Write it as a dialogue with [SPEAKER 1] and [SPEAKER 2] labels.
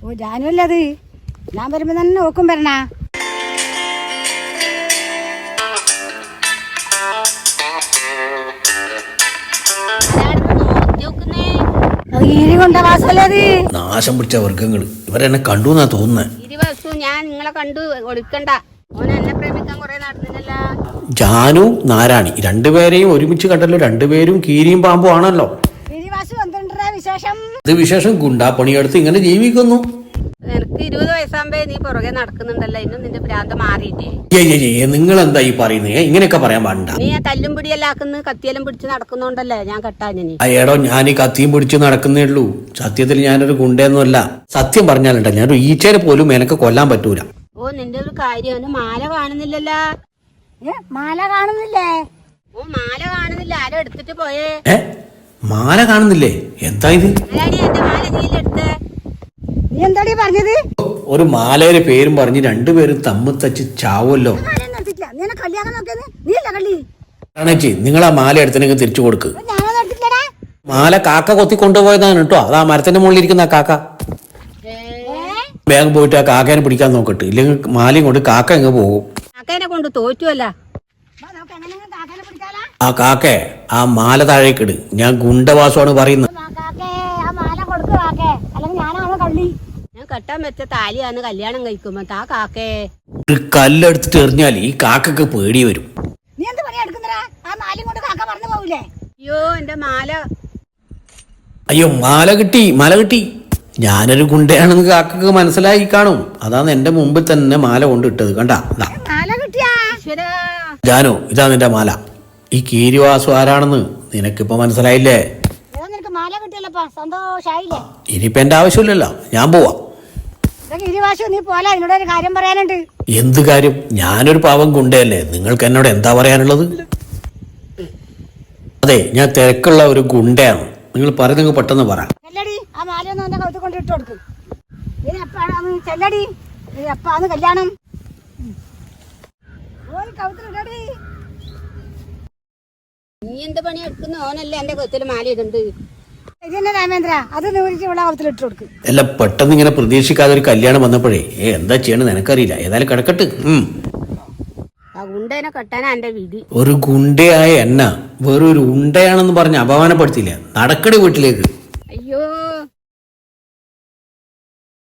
[SPEAKER 1] ഓ ജാനുവല്ലേ അത്? ഞാൻ വരുമ്പോ തന്നെ നോക്കും വരണ.
[SPEAKER 2] നാശം പിടിച്ച വർഗങ്ങൾ ഇവരെന്നെ കണ്ടു എന്നാ തോന്നുന്നത്.
[SPEAKER 3] ഞാൻ നിങ്ങളെ കണ്ടു ഒടുക്കണ്ട. ഓൻ എന്നെ പ്രേമിക്കാൻ കുറെ നടന്നില്ല.
[SPEAKER 2] ജാനു നാരായണി രണ്ടുപേരെയും ഒരുമിച്ച് കണ്ടല്ലോ. രണ്ടുപേരും കീരിയും പാമ്പും ആണല്ലോ. ഇത് വിശേഷം ഗുണ്ടാപ്പണിയെടുത്ത് ഇങ്ങനെ ജീവിക്കുന്നു.
[SPEAKER 3] എനിക്ക് 20 വയസ്സാകുമ്പോ നീ പുറകെ നടക്കുന്നുണ്ടല്ലോ. ഇന്നും നിന്റെ ഭ്രാന്ത് മാറിയിട്ടേ.
[SPEAKER 2] നിങ്ങൾ എന്താ ഈ പറയുന്നത്? ഇങ്ങനെയൊക്കെ പറയാൻ പാടില്ല.
[SPEAKER 3] നീ തല്ലും പിടിയെല്ലാം ആക്കുന്നു, കത്തിയെല്ലാം പിടിച്ച് നടക്കുന്നോണ്ടല്ലേ ഞാൻ കെട്ടാഞ്ഞി.
[SPEAKER 2] അയ്യടോ, ഞാൻ ഈ കത്തിയും പിടിച്ച് നടക്കുന്നേ ഉള്ളൂ. സത്യത്തിൽ ഞാനൊരു ഗുണ്ടയൊന്നുമല്ല. സത്യം പറഞ്ഞാലുണ്ട ഞാനൊരു ഈച്ചേനെ പോലും എനക്ക് കൊല്ലാൻ പറ്റൂല.
[SPEAKER 3] ഓ നിന്റെ ഒരു കാര്യം, മാല കാണുന്നില്ലല്ലോ.
[SPEAKER 1] മാല കാണുന്നില്ലേ?
[SPEAKER 3] ഓ മാല കാണുന്നില്ല. ആരോ എടുത്തിട്ട് പോയേ.
[SPEAKER 2] മാല കാണുന്നില്ലേ? എന്താ ഇത്?
[SPEAKER 3] എന്റെ മാല നീലെടുത്ത്.
[SPEAKER 1] നീ എന്താടി പറഞ്ഞത്?
[SPEAKER 2] ഒരു മാലയുടെ പേരും പറഞ്ഞ് രണ്ടുപേരും തമ്മിൽ തച്ച് ചാവുമല്ലോ. ആണേച്ചി, നിങ്ങൾ ആ മാല എടുത്തിനെങ്കിൽ തിരിച്ചു കൊടുക്ക്. മാല കാക്ക കൊത്തി കൊണ്ടുപോയതാണ് കേട്ടോ. അത് ആ മരത്തിന്റെ മുകളിൽ ഇരിക്കുന്ന കാക്ക. വേഗം പോയിട്ട് ആ കാക്കേനെ പിടിക്കാൻ നോക്കട്ടെ. ഇല്ലെങ്കിൽ മാലയും കൊണ്ട് കാക്ക എങ്ങ് പോകും.
[SPEAKER 3] കാക്കേനെ കൊണ്ട് തോറ്റുമല്ല.
[SPEAKER 2] ആ കാക്കേ, ആ മാല താഴേക്കിട്. ഞാൻ ഗുണ്ടവാസമാണ് പറയുന്നത്.
[SPEAKER 3] ഞാൻ കെട്ടാൻ വെച്ച താലിയാണ് കല്യാണം കഴിക്കുമ്പോ ആ കാക്കേ
[SPEAKER 2] ഒരു കല്ലെടുത്തിട്ട് എറിഞ്ഞാൽ ഈ കാക്കക്ക് പേടി വരും.
[SPEAKER 3] അയ്യോ എന്റെ മാല.
[SPEAKER 2] അയ്യോ, മാല കിട്ടി, മാല കിട്ടി. ഞാനൊരു ഗുണ്ടയാണെന്ന് കാക്കക്ക് മനസ്സിലായി കാണും. അതാണ് എന്റെ മുമ്പിൽ തന്നെ മാല കൊണ്ടിട്ടത്. കണ്ടാ? ജാനു, ഇതാ നിന്റെ മാല. ഈ കീരിവാസു ആരാണെന്ന് നിനക്കിപ്പോ മനസ്സിലായില്ലേ? ഇനിയിപ്പോ എന്റെ ആവശ്യമില്ലല്ലോ, ഞാൻ പോവാ. എന്ത് കാര്യം? ഞാനൊരു പാവം ഗുണ്ടയല്ലേ. നിങ്ങൾക്ക് എന്നോട് എന്താ പറയാനുള്ളത്? അതെ, ഞാൻ തിരക്കുള്ള ഒരു ഗുണ്ടയാണ്. നിങ്ങൾ പറയുന്നത് പെട്ടെന്ന് പറ.
[SPEAKER 1] കല്യാണം
[SPEAKER 3] നീ എന്ത് പണി എടുക്കുന്ന? ഓനല്ലേ എന്റെ കഴുത്തിൽ മാല ഇടുന്നുണ്ട്.
[SPEAKER 1] രാമേന്ദ്ര, അത് കൗത്തിലിട്ട് കൊടുക്കും.
[SPEAKER 2] അല്ല, പെട്ടെന്ന് ഇങ്ങനെ പ്രതീക്ഷിക്കാതെ ഒരു കല്യാണം വന്നപ്പോഴേ എന്താ ചെയ്യണെന്ന് എനിക്കറിയില്ല. ഏതായാലും കിടക്കട്ട്.
[SPEAKER 3] ആ ഗുണ്ടേനെ കെട്ടാനാ എന്റെ വിധി.
[SPEAKER 2] ഒരു ഗുണ്ടയായ എന്ന വേറൊരു ഉണ്ടയാണെന്ന് പറഞ്ഞ് അപമാനപ്പെടുത്തില്ല. നടക്കടി വീട്ടിലേക്ക്.